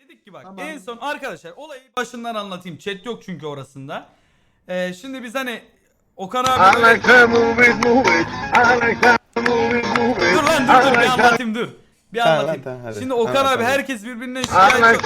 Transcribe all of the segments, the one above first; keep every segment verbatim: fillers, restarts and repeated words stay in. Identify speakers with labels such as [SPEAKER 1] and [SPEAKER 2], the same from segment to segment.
[SPEAKER 1] Dedik ki bak
[SPEAKER 2] Tamam.
[SPEAKER 1] en son arkadaşlar olayı başından anlatayım. Chat yok çünkü orasında. Ee, şimdi biz hani Okan abi böyle... Dur lan dur dur bir anlatayım dur. Bir
[SPEAKER 3] Tamam,
[SPEAKER 1] anlatayım.
[SPEAKER 3] tamam, hadi.
[SPEAKER 1] Şimdi Okan
[SPEAKER 3] Anlat,
[SPEAKER 1] abi
[SPEAKER 3] anlat.
[SPEAKER 1] herkes birbirinden şikayetçi.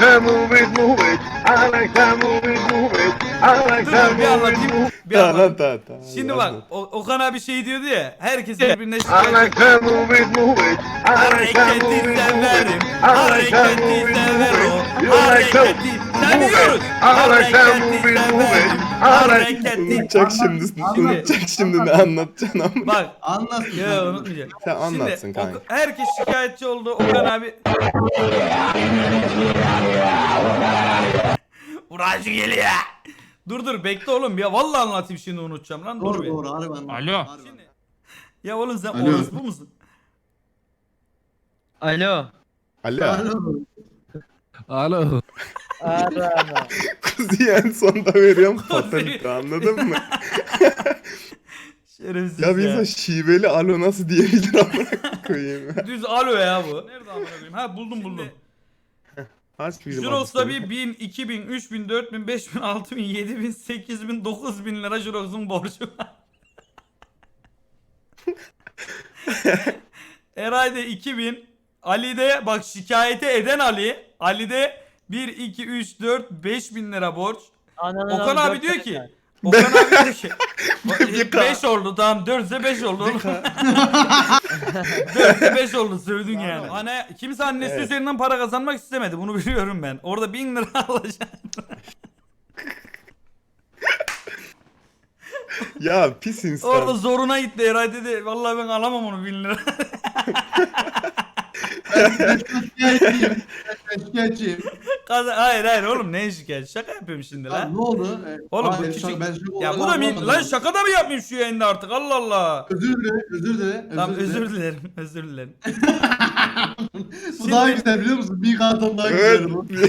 [SPEAKER 1] Dur dur bir anlatayım. Bir
[SPEAKER 3] Tamam
[SPEAKER 1] anlatayım.
[SPEAKER 3] tamam tamam.
[SPEAKER 1] Şimdi
[SPEAKER 3] Anlat.
[SPEAKER 1] bak o- Okan abi şey diyordu ya, herkes birbirine şikayetçi. Hareketi severim, hareketi severim, hareketi seviyoruz. Hareketi severim, hareketi.
[SPEAKER 3] Unutacak şimdi.
[SPEAKER 2] Anlat.
[SPEAKER 3] Unutacak şimdi ne anlatacaksın ama.
[SPEAKER 1] Bak,
[SPEAKER 2] Anlat.
[SPEAKER 1] ya unutmayacağım.
[SPEAKER 3] Sen anlatsın
[SPEAKER 1] Şimdi
[SPEAKER 3] kanka.
[SPEAKER 1] Oka- herkes şikayetçi oldu. Okan abi. Uğraşı geliyor. Dur dur bekle oğlum ya vallahi anlatayım şimdi unutacağım lan dur
[SPEAKER 2] Doğru
[SPEAKER 1] bir.
[SPEAKER 2] doğru harbi anlat.
[SPEAKER 4] Alo.
[SPEAKER 2] Harbi
[SPEAKER 1] Şimdi,
[SPEAKER 2] anlat.
[SPEAKER 1] ya oğlum sen
[SPEAKER 2] Alo.
[SPEAKER 1] orospu musun?
[SPEAKER 5] Alo.
[SPEAKER 3] Alo.
[SPEAKER 2] Alo.
[SPEAKER 4] Alo.
[SPEAKER 5] Arama.
[SPEAKER 3] Kuzuyu en sonda veriyorum fatalite, anladın mı?
[SPEAKER 1] Şerefsiz
[SPEAKER 3] Ya
[SPEAKER 1] ya.
[SPEAKER 3] bir insan şiveli alo nasıl diyebilir amına koyayım ya.
[SPEAKER 1] Düz alo ya bu. Nerede amına koyayım? Ha buldum buldum.
[SPEAKER 3] Kaç bizim
[SPEAKER 1] Jirox'ta
[SPEAKER 3] adresi?
[SPEAKER 1] bir bin, iki bin, üç bin, dört bin, beş bin, altı bin, yedi bin, sekiz bin, dokuz bin lira Jirox'un borcu var. Eray'da iki bin, Ali'de bak şikayete eden Ali, Ali'de bir, iki, üç, dört, beş bin lira borç.
[SPEAKER 5] Ananın
[SPEAKER 1] Okan
[SPEAKER 5] amı
[SPEAKER 1] abi
[SPEAKER 5] dört
[SPEAKER 1] diyor
[SPEAKER 5] tane
[SPEAKER 1] ki,
[SPEAKER 5] var.
[SPEAKER 1] Okan abi diyor ki,
[SPEAKER 3] Bir ka-
[SPEAKER 1] beş oldu tamam dört ise beş oldu oğlum. dört ise beş oldu sövdün yani. Hani kimse annesi
[SPEAKER 3] Evet.
[SPEAKER 1] üzerinden para kazanmak istemedi bunu biliyorum ben. Orada bin lira alacak.
[SPEAKER 3] Ya pis insan.
[SPEAKER 1] Orada zoruna gitti Eray dedi. Vallahi ben alamam onu bin lira.
[SPEAKER 2] Şikayetçiyim. Ben şikayetçiyim.
[SPEAKER 1] Kaza- hayır hayır oğlum ne şikayet? Şaka yapıyorum şimdi
[SPEAKER 2] Lan
[SPEAKER 1] lan.
[SPEAKER 2] ne oldu? Ee,
[SPEAKER 1] Oğlum bu
[SPEAKER 2] hayır,
[SPEAKER 1] küçük...
[SPEAKER 2] şaka- ben şu
[SPEAKER 1] Ya bu da
[SPEAKER 2] olayları
[SPEAKER 1] min...
[SPEAKER 2] anlamadım.
[SPEAKER 1] Lan şaka da mı yapmayayım şu yayında artık Allah Allah.
[SPEAKER 2] Özür dile, özür dile.
[SPEAKER 1] Tamam
[SPEAKER 2] dile.
[SPEAKER 1] özür dilerim özür dilerim.
[SPEAKER 2] Bu daha güzel biliyor musun? Bir karton daha
[SPEAKER 3] Evet.
[SPEAKER 2] güzel bu.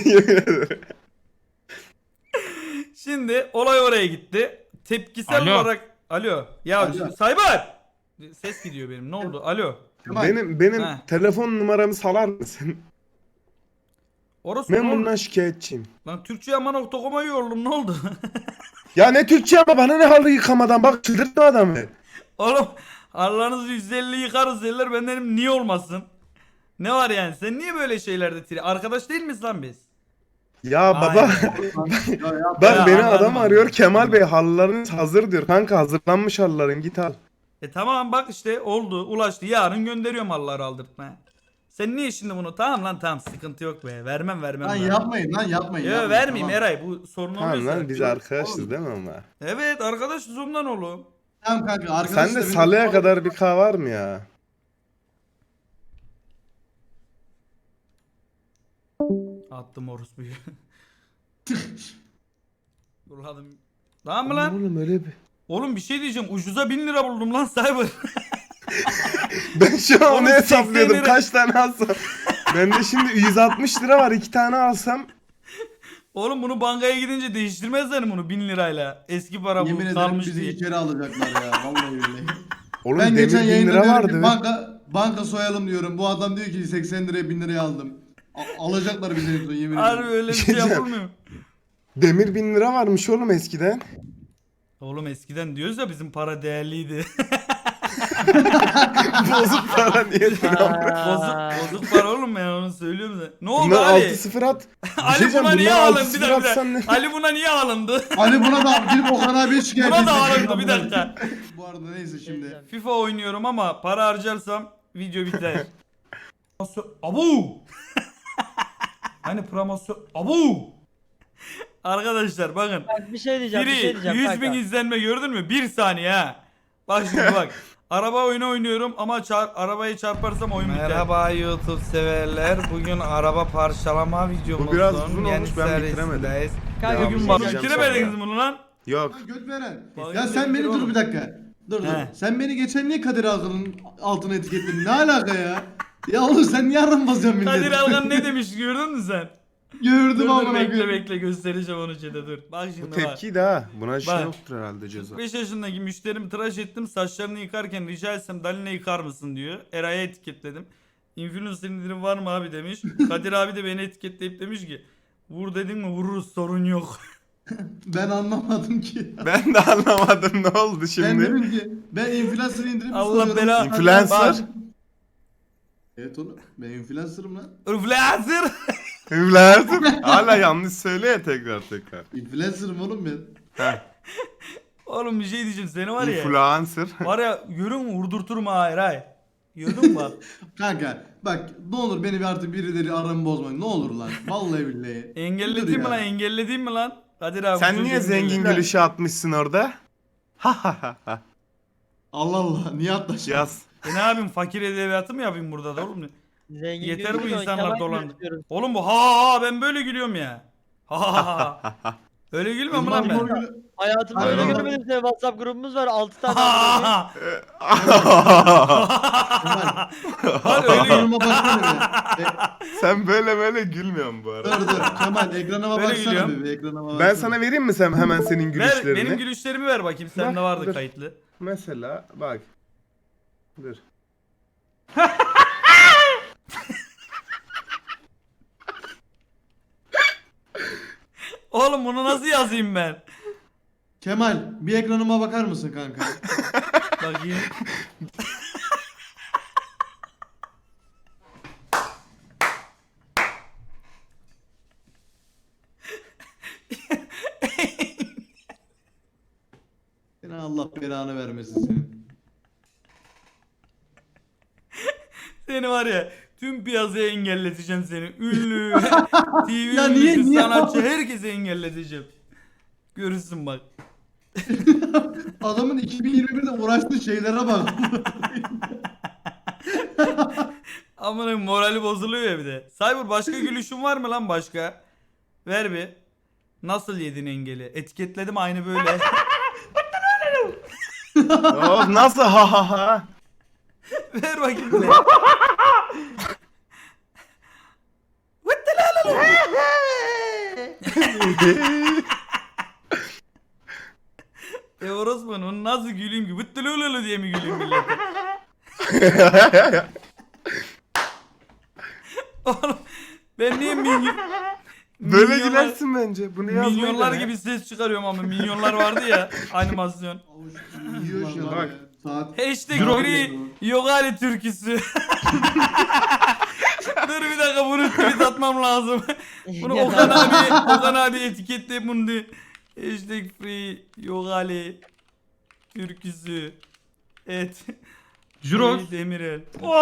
[SPEAKER 1] Şimdi olay oraya gitti. Tepkisel
[SPEAKER 4] Alo.
[SPEAKER 1] olarak... Alo. Ya
[SPEAKER 2] Alo.
[SPEAKER 1] Cyber. Ses gidiyor benim ne oldu? Alo.
[SPEAKER 2] Kemal,
[SPEAKER 3] benim benim
[SPEAKER 1] Ha.
[SPEAKER 3] telefon numaramı salar mısın?
[SPEAKER 1] Orası
[SPEAKER 3] Ben
[SPEAKER 1] ne oldu?
[SPEAKER 3] bundan şikayetçiyim.
[SPEAKER 1] Lan Türkçe ama nokta com'a yoruldum ne oldu?
[SPEAKER 3] Ya ne Türkçe ama bana ne halı yıkamadan bak çıldırtma adamı.
[SPEAKER 1] Oğlum Allah'ınızı yüz elli yıkarız derler ben dedim niye olmasın? Ne var yani sen niye böyle şeylerde tri? Arkadaş değil miyiz lan biz?
[SPEAKER 3] Ya baba
[SPEAKER 1] Aynen.
[SPEAKER 2] Ya, ya,
[SPEAKER 3] bak
[SPEAKER 1] Ya,
[SPEAKER 3] beni
[SPEAKER 1] anladım,
[SPEAKER 3] adam
[SPEAKER 1] anladım.
[SPEAKER 3] arıyor, Kemal Bey halılarınız hazır diyor. Kanka hazırlanmış halıların, git al.
[SPEAKER 1] E tamam bak işte oldu ulaştı yarın gönderiyorum Allah'ı aldırtma. Sen niye şimdi bunu tamam lan tamam sıkıntı yok be vermem vermem.
[SPEAKER 2] Lan
[SPEAKER 1] lan.
[SPEAKER 2] yapmayın lan yapmayın.
[SPEAKER 1] Yo
[SPEAKER 2] yapmayın,
[SPEAKER 1] vermeyeyim
[SPEAKER 2] tamam.
[SPEAKER 1] Eray bu sorun
[SPEAKER 3] Tamam
[SPEAKER 1] oluyorsa.
[SPEAKER 3] lan biz arkadaşız değil mi ama?
[SPEAKER 1] Evet arkadaşız ondan oğlum.
[SPEAKER 2] Tamam kanka arkadaşlar.
[SPEAKER 3] Sen de
[SPEAKER 2] benim-
[SPEAKER 3] salıya kadar bir kahve var mı ya?
[SPEAKER 1] Attım orospuyu. Burladım. Tamam mı lan?
[SPEAKER 3] Oğlum öyle bir...
[SPEAKER 1] Oğlum bir şey diyeceğim ucuza bin lira buldum lan Cyber.
[SPEAKER 3] Ben şu an
[SPEAKER 1] Oğlum
[SPEAKER 3] onu hesaplıyordum
[SPEAKER 1] seksen lira-
[SPEAKER 3] kaç tane alsam. Bende şimdi yüz altmış lira var, iki tane alsam.
[SPEAKER 1] Oğlum bunu bankaya gidince değiştirmezler bunu bin lirayla. Eski para bu
[SPEAKER 2] Yemin ederim
[SPEAKER 1] kalmış
[SPEAKER 2] bizi
[SPEAKER 1] diye.
[SPEAKER 2] içeri alacaklar ya. Vallahi billahi.
[SPEAKER 3] Oğlum
[SPEAKER 2] Ben
[SPEAKER 3] demir
[SPEAKER 2] geçen
[SPEAKER 3] bin
[SPEAKER 2] yayında
[SPEAKER 3] lira
[SPEAKER 2] diyorum
[SPEAKER 3] vardı.
[SPEAKER 2] ki banka, banka soyalım diyorum. Bu adam diyor ki seksen liraya bin liraya aldım. A- alacaklar bizi en son yemin
[SPEAKER 1] Harbi
[SPEAKER 2] ederim.
[SPEAKER 1] öyle bir
[SPEAKER 3] Bir
[SPEAKER 1] şey
[SPEAKER 3] şey diyeceğim.
[SPEAKER 1] yapılmıyor.
[SPEAKER 3] Demir bin lira varmış oğlum eskiden.
[SPEAKER 1] Oğlum eskiden diyoruz ya bizim para değerliydi.
[SPEAKER 3] Bozuk para niye
[SPEAKER 1] bozuk bozuk para oğlum ben onu söylüyorum da. Ne oldu
[SPEAKER 3] Bunlar
[SPEAKER 1] Ali?
[SPEAKER 3] altı sıfır at. Bir şey
[SPEAKER 1] Ali
[SPEAKER 3] diyeceğim,
[SPEAKER 1] buna niye
[SPEAKER 3] bunlar
[SPEAKER 1] alındı?
[SPEAKER 3] altı
[SPEAKER 1] Bir
[SPEAKER 3] sıfır
[SPEAKER 1] dakika. bir
[SPEAKER 3] atsan
[SPEAKER 1] dakika.
[SPEAKER 3] ne?
[SPEAKER 1] Ali buna niye alındı?
[SPEAKER 2] Ali buna da gidip Okan abiye şikayet
[SPEAKER 1] Buna da
[SPEAKER 2] edecek.
[SPEAKER 1] alındı bir dakika.
[SPEAKER 2] Bu arada neyse şimdi.
[SPEAKER 1] FIFA oynuyorum ama para harcarsam video biter. Promosyon- Abu! Hani promosyon... Abu! Arkadaşlar bakın.
[SPEAKER 5] Bak bir şey diyeceğim, bir şey
[SPEAKER 1] Biri
[SPEAKER 5] diyeceğim
[SPEAKER 1] yüz
[SPEAKER 5] kanka.
[SPEAKER 1] bin izlenme gördün mü? Bir saniye ha. Bak şimdi bak. Araba oyunu oynuyorum ama çar arabayı çarparsam oyun biter. Merhaba YouTube severler. Bugün araba parçalama videomuzun
[SPEAKER 3] Bu biraz uzun olmuş, ben bitiremedim.
[SPEAKER 1] serisindeyiz.
[SPEAKER 5] Kanka,
[SPEAKER 3] Devam
[SPEAKER 5] bir
[SPEAKER 1] Bugün
[SPEAKER 5] şey
[SPEAKER 1] bak
[SPEAKER 3] edeceğim
[SPEAKER 1] bitiremediniz
[SPEAKER 3] sonra.
[SPEAKER 1] bunu lan.
[SPEAKER 3] Yok.
[SPEAKER 2] Lan göt veren.
[SPEAKER 1] Bak,
[SPEAKER 2] Ya sen beni dur bir dakika. Dur dur.
[SPEAKER 1] He.
[SPEAKER 2] Sen beni geçen niye Kadir Alkan'ın altına etiketledin? Ne alaka ya? Ya oğlum sen niye aram basıyorsun milleti?
[SPEAKER 1] Kadir Alkan ne demiş gördün mü sen?
[SPEAKER 2] Gördüm
[SPEAKER 1] Dur dur
[SPEAKER 2] ama
[SPEAKER 1] bekle bekle göstereceğim onu chat'e dur. Bak
[SPEAKER 3] Bu
[SPEAKER 1] şimdi bak.
[SPEAKER 3] tepki de ha. Buna şey
[SPEAKER 1] Bak.
[SPEAKER 3] yoktur herhalde ceza.
[SPEAKER 1] beş yaşındaki müşterimi tıraş ettim. Saçlarını yıkarken rica etsem Dalin'e yıkar mısın diyor. Eray'a etiketledim. Influencer indirim var mı abi demiş. Kadir abi de beni etiketleyip demiş ki Vur dedin mi vururuz sorun yok.
[SPEAKER 2] Ben anlamadım ki.
[SPEAKER 3] Ben de anlamadım ne oldu
[SPEAKER 2] Ben
[SPEAKER 3] şimdi.
[SPEAKER 2] dedim ki ben influencer indirip
[SPEAKER 1] Allah
[SPEAKER 2] soruyorum.
[SPEAKER 1] bela-
[SPEAKER 3] Influencer?
[SPEAKER 2] Evet oğlum ben influencer'ım lan.
[SPEAKER 1] Influencer.
[SPEAKER 3] Influencer. Hala yanlış söyle ya tekrar tekrar.
[SPEAKER 2] Influencer'ım oğlum ben.
[SPEAKER 3] Heh.
[SPEAKER 1] Oğlum bir şey diyeceğim seni var ya.
[SPEAKER 3] Influencer.
[SPEAKER 1] Var ya görün mü vurdurturum ha hayır hayır. Gördün mü bak.
[SPEAKER 2] Kanka bak ne olur beni bir artık birileri aramı bozmayın. Ne olur lan. Vallahi billahi.
[SPEAKER 1] Engelledin mi
[SPEAKER 2] ya.
[SPEAKER 1] lan engelledin mi lan? Kadir abi.
[SPEAKER 3] Sen
[SPEAKER 1] bu
[SPEAKER 3] niye
[SPEAKER 1] çocuğu
[SPEAKER 3] zengin
[SPEAKER 1] engelle.
[SPEAKER 3] gülüşü atmışsın orada? Ha ha ha ha.
[SPEAKER 2] Allah Allah. Niye atlaşın?
[SPEAKER 3] Yaz.
[SPEAKER 1] E ne yapayım fakir edebiyatı mı yapayım burada da oğlum?
[SPEAKER 5] Zengin
[SPEAKER 1] Yeter bu
[SPEAKER 5] gözüküyor,
[SPEAKER 1] insanlar
[SPEAKER 5] Kemal
[SPEAKER 1] dolandı.
[SPEAKER 5] gözüküyoruz.
[SPEAKER 1] Oğlum bu ha ha ha ben böyle gülüyorum ya. Ha ha ha ha. Öyle gülmüyorum mu lan ben?
[SPEAKER 5] Hayatımda
[SPEAKER 2] Hayır
[SPEAKER 5] öyle
[SPEAKER 2] ama-
[SPEAKER 5] görmedim seni. WhatsApp grubumuz var altı
[SPEAKER 1] Ha
[SPEAKER 5] tane.
[SPEAKER 1] ha
[SPEAKER 5] arkadaşım.
[SPEAKER 1] ha. Lan öyle gül.
[SPEAKER 2] Ekranıma baksana bir. E,
[SPEAKER 3] Sen böyle böyle gülmüyorsun bu arada.
[SPEAKER 2] dur dur. Kemal ekranıma
[SPEAKER 1] Böyle
[SPEAKER 2] baksana
[SPEAKER 1] gülüyorum.
[SPEAKER 2] bir. Ekranıma baksana.
[SPEAKER 3] Ben sana vereyim mi sen hemen senin
[SPEAKER 1] Ver
[SPEAKER 3] gülüşlerini?
[SPEAKER 1] benim gülüşlerimi ver bakayım sende
[SPEAKER 3] Bak,
[SPEAKER 1] vardı
[SPEAKER 3] dur.
[SPEAKER 1] kayıtlı.
[SPEAKER 3] Mesela bak. Dur.
[SPEAKER 1] Oğlum bunu nasıl yazayım ben?
[SPEAKER 2] Kemal bir ekranıma bakar mısın kanka?
[SPEAKER 1] Bakayım.
[SPEAKER 2] Seni Allah belanı vermesin senin.
[SPEAKER 1] Seni var ya tüm piyasaya engelleteceğim seni. Ünlü, T V
[SPEAKER 2] Ya niye-
[SPEAKER 1] ünlüsü,
[SPEAKER 2] niye-
[SPEAKER 1] sanatçı herkese engelleteceğim. Görürsün bak.
[SPEAKER 2] Adamın iki bin yirmi birde uğraştığı şeylere bak.
[SPEAKER 1] Amına morali bozuluyor ya bir de. Cyber başka gülüşün var mı lan başka? Ver bir. Nasıl yedin engeli? Etiketledim aynı böyle.
[SPEAKER 3] Oh, nasıl ha ha ha?
[SPEAKER 1] Ver bakayım bir de. E orospu onu nasıl güleyim ki? Vıttılılılılı diye mi güleyim millete? Oğlum ben niye minyon...
[SPEAKER 3] Böyle
[SPEAKER 1] milyonlar-
[SPEAKER 3] gülersin bence. Bunu yazmayı
[SPEAKER 1] Milyonlar
[SPEAKER 3] dene.
[SPEAKER 1] gibi ses çıkarıyorum ama milyonlar vardı ya animasyon.
[SPEAKER 2] Yiyor şu an
[SPEAKER 3] Bak.
[SPEAKER 2] ya. Saat.
[SPEAKER 1] Hashtag
[SPEAKER 2] Euro-
[SPEAKER 1] free Yogali türküsü. Dur bir dakika bunu tweet atmam lazım. Bunu Okan abi, Okan abi etiketle bunu de. Hashtag free Yogali türküsü. Evet.
[SPEAKER 6] Juros.
[SPEAKER 1] Free Demirel.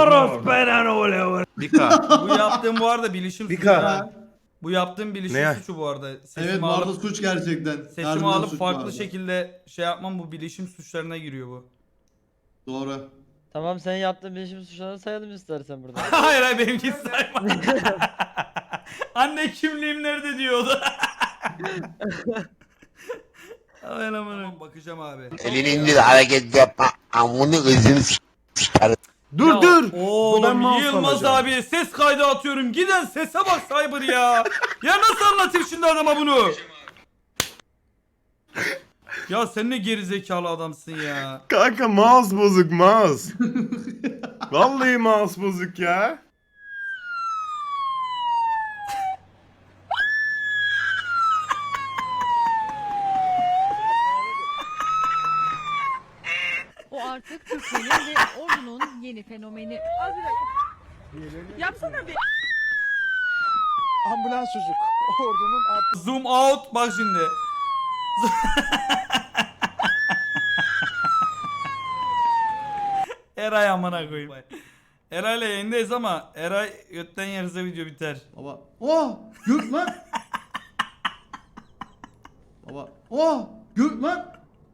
[SPEAKER 3] Dika.
[SPEAKER 1] Bu yaptığım bu arada bilişim suçu.
[SPEAKER 3] Dika.
[SPEAKER 1] ha. Bu yaptığım bilişim
[SPEAKER 3] Ne?
[SPEAKER 1] suçu bu arada. Sesimi
[SPEAKER 2] Evet bu
[SPEAKER 1] alıp,
[SPEAKER 2] arada suç gerçekten.
[SPEAKER 1] sesimi
[SPEAKER 2] Harbiden
[SPEAKER 1] alıp
[SPEAKER 2] suç
[SPEAKER 1] farklı
[SPEAKER 2] bu arada.
[SPEAKER 1] şekilde şey yapmam bu bilişim suçlarına giriyor bu.
[SPEAKER 2] Doğru.
[SPEAKER 5] Tamam sen yaptığın bilişim suçlarını sayalım istersen burada.
[SPEAKER 1] hayır hayır benimki sayma. Anne kimliğim nerede diyordu. Aman aman. Bakacağım abi.
[SPEAKER 7] Elini indir hareket yapma. Amını özünü s**tarım.
[SPEAKER 3] Dur
[SPEAKER 1] Ya,
[SPEAKER 3] dur. Ben
[SPEAKER 1] Oğlum
[SPEAKER 3] mouse
[SPEAKER 1] Yılmaz
[SPEAKER 3] alacağım.
[SPEAKER 1] abi ses kaydı atıyorum. Giden sese bak Cyber ya. Ya nasıl anlatayım şimdi adama bunu? Ya sen ne gerizekalı adamsın ya.
[SPEAKER 3] Kanka mouse bozuk mouse. Vallahi mouse bozuk ya.
[SPEAKER 8] O artık Türkiye'nin ve ordunun yeni fenomeni. Yapsana bir.
[SPEAKER 9] Ambulans çocuk. Ordunun at.
[SPEAKER 1] Zoom out bak şimdi. Eray amına koyayım. Eray'la yayındayız ama Eray götten yerse video biter.
[SPEAKER 2] Baba. Oh! Gök lan! Baba. Oh! Gök lan!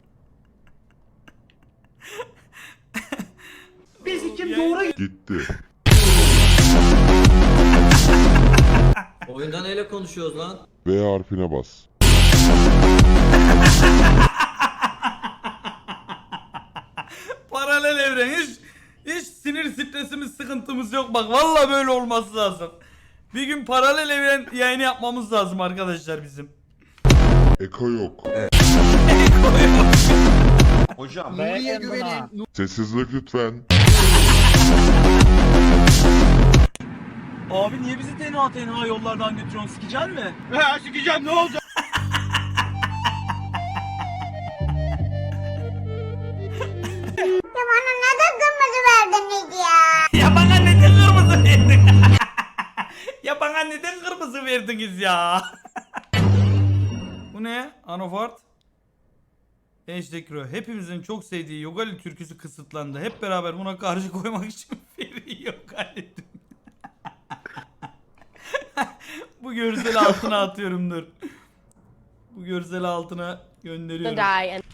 [SPEAKER 1] Biz kim doğru
[SPEAKER 10] Gitti.
[SPEAKER 6] Oyunda neyle konuşuyoruz lan?
[SPEAKER 10] V harfine bas.
[SPEAKER 1] Paralel evren hiç hiç sinir stresimiz sıkıntımız yok bak vallahi böyle olması lazım. Bir gün paralel evren yayını yapmamız lazım arkadaşlar bizim.
[SPEAKER 10] Eko yok.
[SPEAKER 9] Hocam.
[SPEAKER 5] Nuriye güvenin.
[SPEAKER 10] Sessizlik lütfen.
[SPEAKER 6] Abi niye bizi tenha tenha yollardan götürüyorsun? Sikecen mi? He sikeceğim ne olacak?
[SPEAKER 1] Ya bana neden kırmızı verdin? Ya bana neden kırmızı verdiniz ya? Bu ne? Anofart. Hashtag Ro. Hepimizin çok sevdiği Yogali türküsü kısıtlandı. Hep beraber buna karşı koymak için Feri Yogali. Bu görseli altına atıyorum dur. Bu görseli altına gönderiyorum.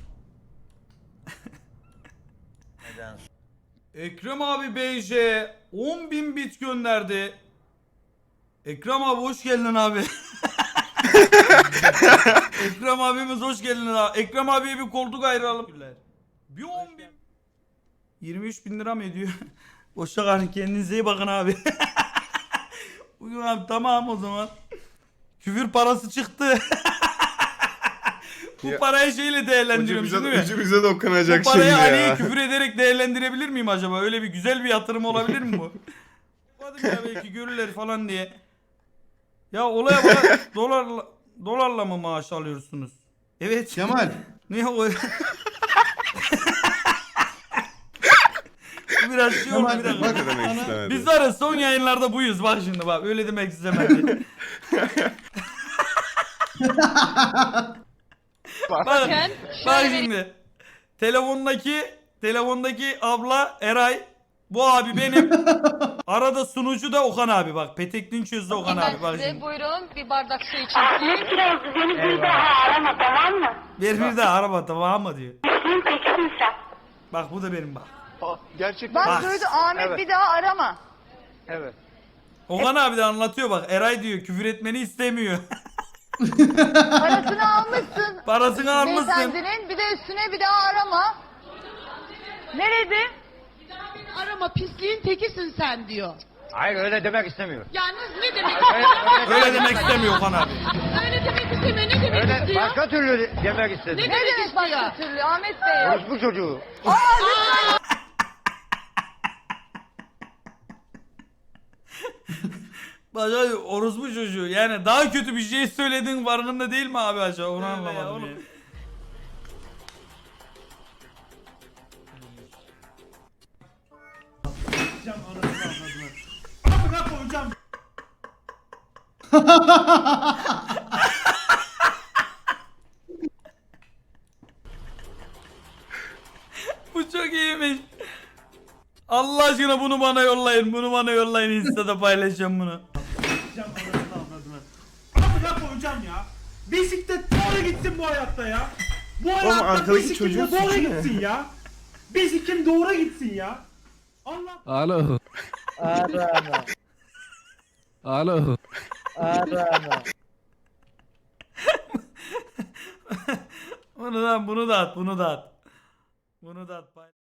[SPEAKER 1] Ekrem abi B J on bin bit gönderdi. Ekrem abi hoş geldin abi. Ekrem abimiz hoş geldin abi. Ekrem abiye bir koltuk ayıralım. Bir on bin. yirmi üç bin lira mı ediyor? Boşa kalın, kendinize iyi bakın abi. Bugün abi tamam o zaman. Küfür parası çıktı. Bu
[SPEAKER 3] Ya,
[SPEAKER 1] parayı şeyle değerlendiriyorum
[SPEAKER 3] Ucu
[SPEAKER 1] değil
[SPEAKER 3] bize,
[SPEAKER 1] mi?
[SPEAKER 3] ucu bize dokunacak
[SPEAKER 1] Bu
[SPEAKER 3] şimdi
[SPEAKER 1] parayı
[SPEAKER 3] ya.
[SPEAKER 1] Ali'ye küfür ederek değerlendirebilir miyim acaba? Öyle bir güzel bir yatırım olabilir mi bu? Hadi ya belki görürler falan diye. Ya olaya bak, dolarla, dolarla mı maaş alıyorsunuz? Evet.
[SPEAKER 2] Kemal.
[SPEAKER 1] Ne o? Bu biraz şey oldu
[SPEAKER 2] Kemal
[SPEAKER 1] bir dakika.
[SPEAKER 2] bak
[SPEAKER 3] Ne demek
[SPEAKER 2] sana-
[SPEAKER 3] istemedi.
[SPEAKER 1] Biz var ya son yayınlarda buyuz bak şimdi bak öyle demek istemedi. bak, bak şimdi. Telefondaki telefondaki abla Eray, bu abi benim. Arada sunucu da Okan abi bak. Petekli'nin çözdü Okan abi bak şimdi.
[SPEAKER 8] Buyurun bir bardak su için.
[SPEAKER 1] Ver bir daha araba tamam mı diyor. Bak bu da benim bak.
[SPEAKER 9] Gerçekten.
[SPEAKER 1] Bak.
[SPEAKER 8] Ahmet bir daha arama.
[SPEAKER 9] Evet.
[SPEAKER 1] Okan abi de anlatıyor bak. Eray diyor küfür etmeni istemiyor.
[SPEAKER 8] Parasını almışsın.
[SPEAKER 1] Parasını almışsın.
[SPEAKER 8] Beyefendinin bir de üstüne bir daha arama. Nerede? Arama pisliğin tekisin sen diyor.
[SPEAKER 9] Hayır öyle demek istemiyor.
[SPEAKER 8] Yalnız ne demek?
[SPEAKER 1] Öyle demek istemiyor Okan abi.
[SPEAKER 8] Öyle demek istemiyor. Ne demek
[SPEAKER 9] Öyle
[SPEAKER 8] istiyor?
[SPEAKER 9] başka türlü demek istedi.
[SPEAKER 8] Ne demek başka türlü Ahmet Bey?
[SPEAKER 9] Orospu çocuğu.
[SPEAKER 1] Başka orospu çocuğu. Yani daha kötü bir şey söyledin farkında değil mi abi acaba? Onu anlamadım ya. Bu çok iyiymiş. Allah aşkına bunu bana yollayın. Bunu bana yollayın. Insta'da paylaşacağım bunu.
[SPEAKER 6] Amına koyacağım ya. Bisiklet doğru gitsin bu hayatta ya. Bu hayatta
[SPEAKER 3] arkadaki
[SPEAKER 6] bisiklet
[SPEAKER 3] çocuğun
[SPEAKER 6] doğru
[SPEAKER 3] suçu ne?
[SPEAKER 6] gitsin ya. Bisiklet doğru gitsin ya. Allah.
[SPEAKER 4] Alo.
[SPEAKER 5] Arama.
[SPEAKER 4] Alo.
[SPEAKER 5] Arama.
[SPEAKER 1] Bunu da bunu da at, bunu da at. Bunu da at. pay-